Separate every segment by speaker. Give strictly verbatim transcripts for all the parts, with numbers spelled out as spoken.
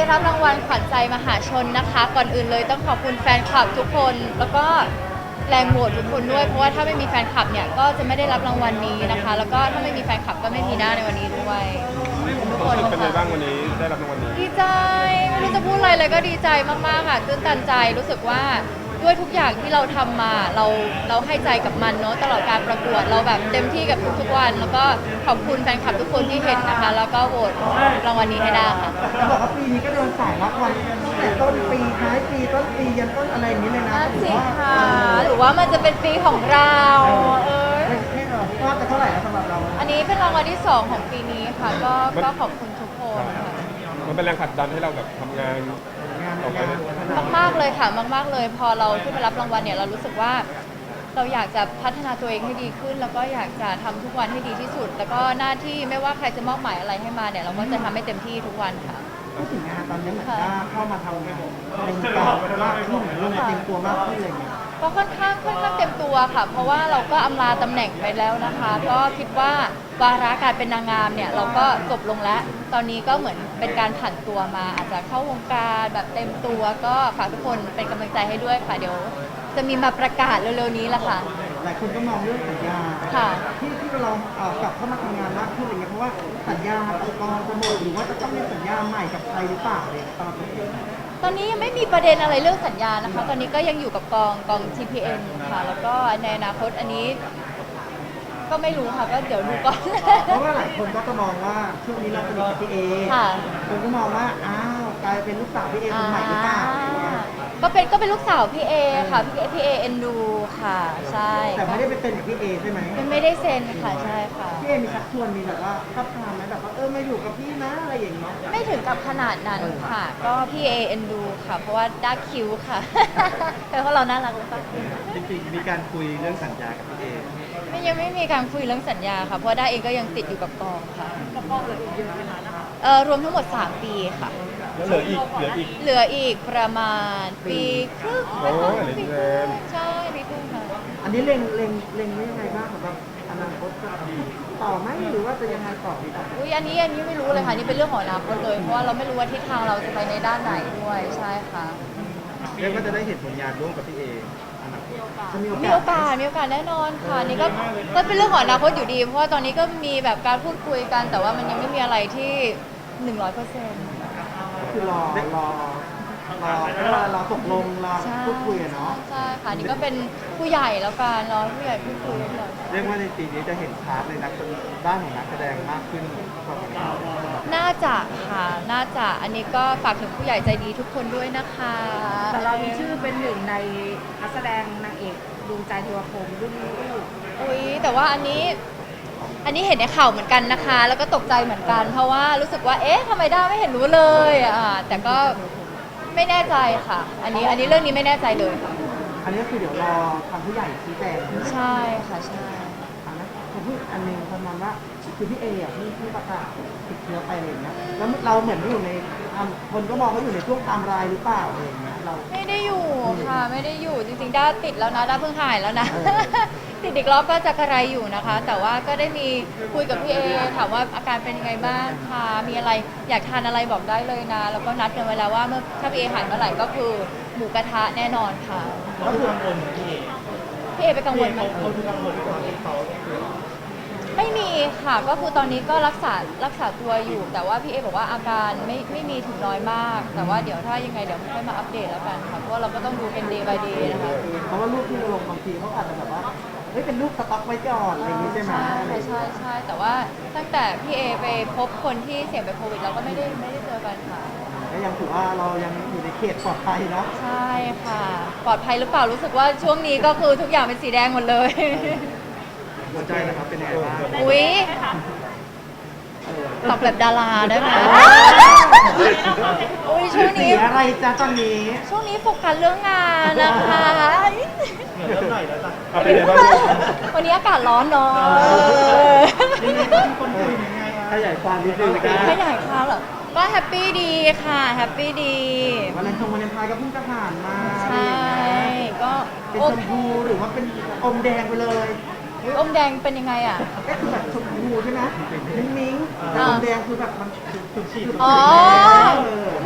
Speaker 1: รับรางวัลขวัญใจมหาชนนะคะก่อนอื่นเลยต้องขอบคุณแฟนคลับทุกคนแล้วก็แรงโหวตทุกคนด้วยเพราะว่าถ้าไม่มีแฟนคลับเนี่ยก็จะไม่ได้รับรางวัลนี้นะคะแล้วก็ถ้าไม่มีแฟนคลับก็ไม่มีหน้าในวันนี้ด้วยทุกคน
Speaker 2: เป็นไงบ้างวันนี้ได้รับรางวัลนี้
Speaker 1: ดีใจไม่รู้จะพูดอะไรเลยก็ดีใจมากๆค่ะตื้นตันใจรู้สึกว่าด้วยทุกอย่างที่เราทำมาเราเราให้ใจกับมันเนาะตลอดการประกวดเราแบบเต็มที่กับทุกๆวัน แล้วก็ขอบคุณแฟนคลับทุกคนที่เห็นนะคะแล้วก็โหวตรางวัลนี้ให้ได้ค่ะ
Speaker 3: จะบอกว่าปีนี้ก็โดนสายรับวันตั้งแต่ต้นปีท้ายปีต้นปียันต้นอะไรอย่างนี้เลยนะ
Speaker 1: น่าสิค่ะหรือว่ามันจะเป็นปีของเราเออ
Speaker 3: ไม่ไม่หรอกว่าจะเท่าไหร่แล้วสำหรับเรา
Speaker 1: อันนี้เป็นรางวัลที่สองของปีนี้ค่ะก็ก็ขอบคุณทุกคนค่ะ
Speaker 2: มันเป็นแรงผลักดันให้เราแบบทำงาน
Speaker 3: งาน
Speaker 2: ออกไป
Speaker 3: งาน
Speaker 2: ได้
Speaker 1: มากๆเลยค่ะมากๆเลย พอเราขึ้นมารับรางวัลเนี่ยเรารู้สึกว่าเราอยากจะพัฒนาตัวเองให้ดีขึ้น แล้วก็อยากจะทำทุกวันให้ดีที่สุด แล้วก็หน้าที่ไม่ว่าใครจะมอบหมายอะไรให้มาเนี่ยเราก็จะทำให้เต็มที่ทุกวันค่ะ
Speaker 3: พูดถึงงานตอนนี้เหมือนว่าเข้ามาทำงานในวงการมากขึ้นเริ่มเต็มตัวมากขึ้นอะไรอย่างเงี้ย
Speaker 1: ก็ค่อนข้างค่อนข้างเต็มตัวค่ะ เพราะว่าเราก็อำลาตำแหน่งไปแล้วนะคะ ก็คิดว่าวาระการเป็นนางงามเนี่ยเราก็จบลงแล้ว ตอนนี้ก็เหมือนเป็นการผันตัวมา อาจจะเข้าวงการแบบเต็มตัวก็ฝากทุกคนเป็นกำลังใจให้ด้วยค่ะเดี๋ยว จะมีมาประกาศเร็วๆนี้แหละค่ะ
Speaker 3: หลายคนก็มองเรื่องสัญญา
Speaker 1: ค่ะ
Speaker 3: ที่ที่เราเอ่อกลับเข้ามาทำงานมากขึ้นอะไรเงี้ยเพราะว่าสัญญาองค์กรจะหมดหรือว่าจะต้องมีสัญญาใหม่กับใครหรือเปล่าเลยตอนนี้
Speaker 1: ตอนนี้ยังไม่มีประเด็นอะไรเรื่องสัญญานะคะ ตอนนี้ก็ยังอยู่กับกองกอง ที พี เอ็น ค่ะ แล้วก็ในอนาคตอันนี้ ก็ไม่รู้ค่ะก็เดี๋ยวดูก่อน
Speaker 3: เพราะว่าหลายคนก็จะมองว่าช่วงนี้เราเป็นกับพี่เอ
Speaker 1: ค่ะ
Speaker 3: คนก็มองว่าอ้าวกลายเป็นลูกสาวพี่เอคนใหม่หรือเปล่าอะไรเงี้ย
Speaker 1: ก็เป็นก็เป็นลูกสาวพี่เอค่ะพี่เอพี่เอเอ็นดูค่ะ ใช่
Speaker 3: แต่ไม่ได้ไปเป็นกับพี่เอใช่ไหม
Speaker 1: มันไม่ได้เซ็นค่ะใช่ค่ะ
Speaker 3: พี่เอมีชักชวนมีแบบว่าทับทามไหมแบบว่าเออมาอยู่กับพี่นะอะไรอย่างเงี้ย
Speaker 1: ไม่ถึงกับขนาดนั้นค่ะ ก็พี่เอเอ็นดูค่ะ เพราะว่าด้าคิ้วค่ะ เพราะเราน่ารักหรือเปล่า
Speaker 3: จริงๆมีการคุยเรื่องสัญญากับพี่เอ
Speaker 1: ไม่ยังไม่มีการคุยเรื่องสัญญาค่ะ เพราะด้าเองก็ยังติดอยู่กับกองค่ะกับกองเหลืออีกเยอะไหมคะนะคะเอ่อรวมทั้งหมดสามปีค่ะ
Speaker 2: แล้วเหลืออีกเหลืออีก
Speaker 1: เหลืออีกประมาณปีครึ่ง
Speaker 2: โอ้ยเหลืออีกนาน
Speaker 1: ใช่ปีครึ่งค่ะ
Speaker 3: อันนี้เล็งเล็งเล็งไว้ยังไงบ้างสำหรับอนาคตจะต่อไหมหรือว่าจะยังไงต่อดีต่อ
Speaker 1: อุ้ยอันนี้อันนี้ไม่รู้เลยค่ะนี่เป็นเรื่องของอนาคตเลยเพราะว่าเราไม่รู้ว่าทิศทางเราจะไปในด้านไหนด้วยใช่ค่ะ
Speaker 3: เรียกว่าจะได้เห็นผลงานร่วมกับพี่เออนาคตจะมีโอ
Speaker 1: มี
Speaker 3: กา
Speaker 1: โอ
Speaker 3: ส
Speaker 1: กาสมีโอกาสแน่นอนค่ะนี่ก็ก็เป็นเรื่องของอนาคตอยู่ดี เพราะว่าตอนนี้ก็มีแบบการพูดคุยกัน แต่ว่ามันยังไม่มีอะไรที่หนึ่งร้อยเปอร์เซ็นต์
Speaker 3: คือรอรอรอเวลารอตกลงรอพูดคุยอะเนาะ
Speaker 1: ใช่ค่ะนี่ก็เป็นผู้ใหญ่แล้วกันรอผู้ใหญ่พูดคุยกัน
Speaker 3: เรียกว่าในปีนี้จะเห็นพาร์ทในนักด้านของนักแสดงมากขึ้นกว่านี้
Speaker 1: น่าจะค่ะน่าจะอันนี้ก็ฝากถึงผู้ใหญ่ใจดีทุกคนด้วยนะคะ
Speaker 4: แต่เรามีชื่อเป็นหนึ่งในนักแสดงนางเอกดวงใจเทวพรหมรุ่นลูก
Speaker 1: อุ้ยแต่ว่าอันนี้ อันนี้เห็นในข่าวเหมือนกันนะคะ แล้วก็ตกใจเหมือนกัน เพราะว่ารู้สึกว่าเอ๊ะทำไมด้าไม่เห็นรู้เลยอ่ะแต่ก็ไม่แน่ใจค่ะ อันนี้อันนี้เรื่องนี้ไม่แน่ใจเลยค่ะ
Speaker 3: อันนี้ก็คือเดี๋ยวรอทางผู้ใหญ่ชี้แจง
Speaker 1: ใช่ค่ะใช่
Speaker 3: อันนั้นผมพูดอันหนึงประมาณว่าคือพี่เออ่ะที่ที่ประกาศติดเชื้อไปอะไรอย่างเงี้ยแล้วเราเหมือนอยู่ในอ่ะคนก็มองว่าอยู่ในช่วงไทม์ไลน์หรือเปล่าอะไรอย่างเงี้ยเรา
Speaker 1: ไม่ได้อยู่ค่ะไม่ได้อยู่จริงๆด้าติดแล้วนะด้าเพิ่งหายแล้วนะ
Speaker 3: เออ
Speaker 1: ติดอีกรอบก็จะกระไรอยู่นะคะ แต่ว่าก็ได้มีคุยกับพี่เอถามว่าอาการเป็นยังไงบ้างคะมีอะไรอยากทานอะไรบอกได้เลยนะ แล้วก็นัดกันไว้แล้วว่าเมื่อถ้าพี่เอหายเมื่อไหร่ก็คือหมูกระทะแน่นอนค่ะ
Speaker 3: ก็คือกังวลพี่เอ
Speaker 1: พี่เอไปกังวลไหม
Speaker 3: เขาคือกังวลตอนที่เขา
Speaker 1: ไม่มีค่ะก็คือตอนนี้ก็รักษารักษาตัวอยู่ แต่ว่าพี่เอบอกว่าอาการไม่ไม่มีถึงน้อยมาก แต่ว่าเดี๋ยวถ้ายังไงเดี๋ยวค่อยมาอัปเดตแล้วกันค่ะเพราะว่าเราก็ต้องดูเป็น day by day นะคะ
Speaker 3: เพราะว่ารูปที่เราลงบางทีเขาอาจจะแบบว่าเฮ้ยเป็นรูปสต็อกไว้ก่อนอะไรอย่างงี้ใช่ไหม
Speaker 1: ใช่ใช่ใช่แต่ว่าตั้งแต่พี่เอไปพบคนที่เสี่ยงเป็นโควิดเราก็ไม่ได้ไม่ได้เจอกันค่ะ
Speaker 3: ก็ยังถือว่าเรายังอยู่ในเขตปลอดภัยเนาะ
Speaker 1: ใช่ค่ะ ปลอดภัยหรือเปล่ารู้สึกว่าช่วงนี้ก็คือทุกอย่างเป็นสีแดงหมดเลย
Speaker 3: หัวใจนะครับเป็นยังไงบ้าง
Speaker 1: อุ๊ยตอบแบบดาราได้ไหมอุ้ยช่วง
Speaker 3: สี
Speaker 1: นี้
Speaker 3: อะไรจ้าตอนนี้
Speaker 1: ช่วงนี้โฟกัสเรื่องงานนะคะ
Speaker 3: เริ่มหน่อยแล้วจ้ะ
Speaker 2: เอาเป็นไงบ้าง
Speaker 1: วันนี้อากาศร้อนเนาะ
Speaker 3: คนคุยยังไงขยายความนิดนึง
Speaker 1: ขยายความเหรอ ก็แฮปปี้ดีค่ะ แฮปปี้ดี
Speaker 3: วันเลนทงวันเลนไทน์ก็เพิ่งจะผ่านมา
Speaker 1: ใช่ ก็
Speaker 3: เป็น
Speaker 1: โอ
Speaker 3: ชมพูหรือว่าเป็นอมแดงไปเลย
Speaker 1: อุ๊ยอมแดงเป็นยังไงอ่ะ
Speaker 3: ก็คือแบบชมพูใช่ไหมมิ้งมิ้งๆแต่อมแดงคือแบบมันฉุดฉีด
Speaker 1: อ๋อ มุ้งมิ้ง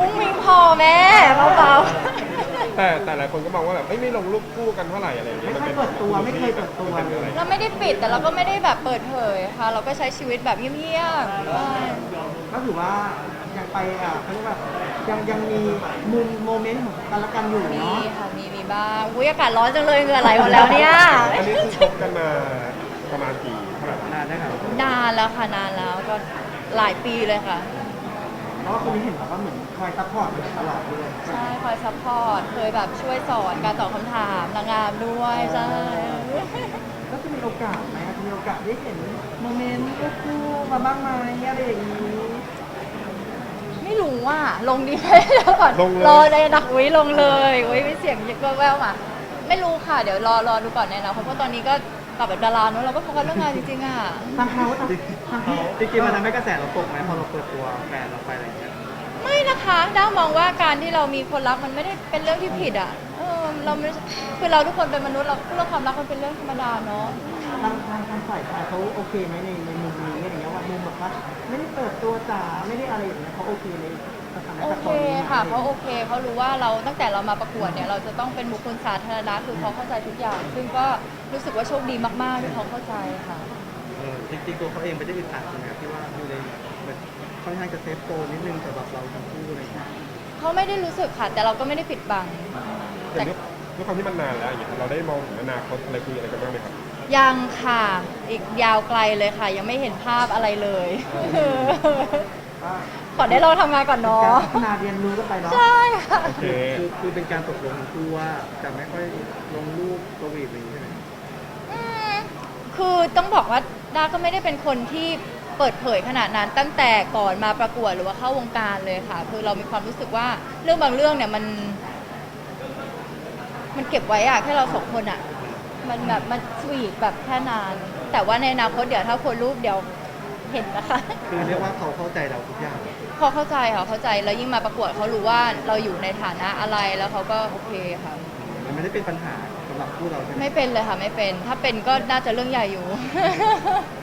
Speaker 1: พอแม่เบา
Speaker 2: แต่แต่หลายคนก็มองว่าแบบเอ้ยไม่ลงรูปคู่กันเท่าไหร่อะไรอย่างเงี้ย
Speaker 3: ไม่ค่อยเปิดตัวไม่เคยเปิดตัว
Speaker 2: มันเป็นอะไร
Speaker 1: ๆเราไม่ได้ปิดแต่เราก็ไม่ได้แบบเปิดเผยค่ะ เราก็ใช้ชีวิตแบบเงียบๆใช่
Speaker 3: ก็ถือว่ายังไปอ่ะเขาเรียกว่ายังยังมีมุมโมเมนต์ของกันและกันอยู่
Speaker 1: มี
Speaker 3: เนาะ
Speaker 1: ค่ะมีมีบ้างอุ้ยอากาศร้อนจังเลยเหงื่อไหลหมดแล้วเนี่ย
Speaker 2: อันนี้คือคบกันมาประมาณกี่เท่าไหร่
Speaker 3: นานได้ครับ
Speaker 1: นานแล้วค่ะนานแล้วก็หลายปีเลยค่ะ
Speaker 3: เพราะว่าคนนี้เห็นแบบว่าเหมือนคอยซัพพอร์ตตลอดเลย
Speaker 1: ใช่คอยซัพพอร์ตเคยแบบช่วยสอนการตอบคำถามนางงามด้วยใช่
Speaker 3: ก็จะมีโอกาสไหมมีโอกาสได้เห็นโมเมนต์คู่ๆมาบ้างไหมอะไรอย่างนี้
Speaker 1: ไม่รู้ว่าลงดีไหมเดี๋ยวก่อน
Speaker 2: ลงเลย
Speaker 1: รอในดักอุ้ยลงเลยอุ้ยมีเสียงยิกแววๆมาไม่รู้ค่ะเดี๋ยวรอรอดูก่อนในอนาคตเพราะตอนนี้ก็ตอบแบบดาราเนอะเราก็โฟกัสเรื่องงานจริงๆอ่ะ
Speaker 3: ทางเขาทางทางเขา
Speaker 5: จริงๆมันทำให้กระแสเราตกไหมพอเราเปิดตัวแฟนเราไปอะไรอย่างเงี้ย
Speaker 1: ไม่นะคะด้ามองว่าการที่เรามีคนรักมันไม่ได้เป็นเรื่องที่ผิดอ่ะเออเราไม่คือเราทุกคนเป็นมนุษย์เราเรื่องความรักมันเป็นเรื่องธรรมดาเนาะ
Speaker 3: ทางทางทางฝ่ายชายเขาโอเคไหมในในมุมนี้อะไรอย่างเงี้ยว่ามุมแบบว่าไม่ได้เปิดตัวจ๋าไม่ได้อะไรอย่างเงี้ยเขาโอเคในสถาน
Speaker 1: โอ
Speaker 3: การณ์
Speaker 1: เค
Speaker 3: ตอนนี้ไหม
Speaker 1: ค่ะเขาโอเคเขารู้ว่าเราตั้งแต่เรามาประกวดเนี่ยเราจะต้องเป็นบุคคลสาธารณะคือเขาเข้าใจทุกอย่าง ซึ่งก็รู้สึกว่าโชคดีมากๆที่เขาเข้าใจค่ะ
Speaker 5: เออจริงๆตัวเขาเองไม่ได้อึดอัดใช่ไหมครับที่ว่าอยู่ในเหมือนค่อนข้างจะเซฟโซนนิดนึงสำหรับเราทั้งคู่อะไรอย่างเงี้ย
Speaker 1: เขาไม่ได้รู้สึกค่ะ แต่เราก็ไม่ได้ปิดบัง
Speaker 2: แต่ด้วยด้วยความที่มันนานแล้วอย่างเงี้ยเราได้มองถึงอนาคตอะไรคุยอะไรกันบ้างไหมครับ
Speaker 1: ยังค่ะ อีกยาวไกลเลยค่ะ ยังไม่เห็นภาพอะไรเลย
Speaker 3: ก็
Speaker 1: ขอได้ลองทำงานก่อน
Speaker 3: เป็น
Speaker 1: เนาะ
Speaker 3: การพัฒนาเรียนรู้กันไปเนาะ
Speaker 1: ใช่ค่ะ
Speaker 2: โอเค
Speaker 5: คือคือเป็นการตกลงทั้งคู่ว่าจะไม่ค่อยลงรูปสวีทอะไรอย่างเงี้ยใช่ไหม
Speaker 1: อืมคือต้องบอกว่าด้าก็ไม่ได้เป็นคนที่เปิดเผยขนาดนั้นตั้งแต่ก่อนมาประกวดหรือว่าเข้าวงการเลยค่ะ คือเรามีความรู้สึกว่าเรื่องบางเรื่องเนี่ยมัน มันเก็บไว้อะแค่เราสองคนอะมันแบบมันสวีทแบบแค่นาน แต่ว่าในอนาคตเดี๋ยวถ้าคนรูปเดี๋ยวเห็นนะคะ
Speaker 5: คือเรียกว่าเขาเข้าใจเราทุกอย่าง
Speaker 1: เขาเข้าใจค่ะเข้าใจแล้วยิ่งมาประกวดเขารู้ว่าเราอยู่ในฐานะอะไรแล้วเขาก็โอเคค่ะ
Speaker 5: มันไม่ได้เป็นปัญหาสำหรับคู่เราใช่ไหม
Speaker 1: ไม่เป็นเลยค่ะไม่เป็น ถ้าเป็นก็น่าจะเรื่องใหญ่อยู่